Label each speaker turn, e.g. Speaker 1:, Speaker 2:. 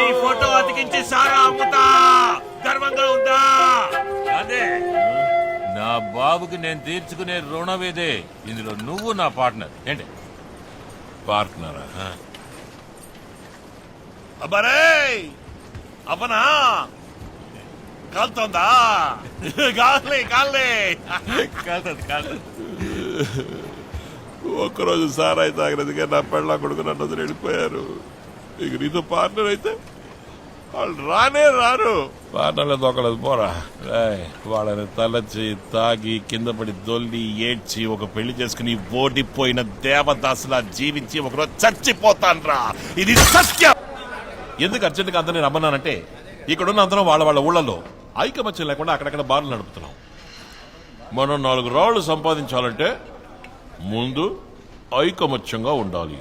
Speaker 1: నీ ఫోటో అతికించి సారా అమ్ముతా. గర్వంగా ఉందా? అదే నా బాబుకి నేను తీర్చుకునే రుణం ఇదే. ఇందులో నువ్వు నా పార్ట్నర్. ఏంటి పార్ట్నరా?
Speaker 2: అబ్బరే అవ్వనా కాలుతోందా? కాలే కాలే
Speaker 1: కాదు.
Speaker 2: ఒక్కరోజు సారాయి తాగినదిగా నా పెళ్ళ కొడుకు నన్ను వదిలి వెళ్ళిపోయారు. ఇక నీతో పార్ట్నర్ అయితే వాళ్ళు రానే రారు. పార్ట్నర్లు దొక్కలేదు పోరా. వాళ్ళని తలచి తాగి కింద పడి దొల్లి ఏడ్చి ఒక పెళ్లి చేసుకుని ఓడిపోయిన దేవదాసులా జీవించి ఒకరోజు చచ్చిపోతాను రా. ఇది సత్యం.
Speaker 3: ఎందుకు అర్జెంట్గా అందరినీ రమ్మన్నానంటే ఇక్కడున్న అందరం వాళ్ళ ఊళ్ళలో ఐకమత్యం లేకుండా అక్కడక్కడ బార్లు నడుపుతున్నాం. మనం 4 రాళ్లు సంపాదించాలంటే ముందు ఐకమత్యంగా ఉండాలి.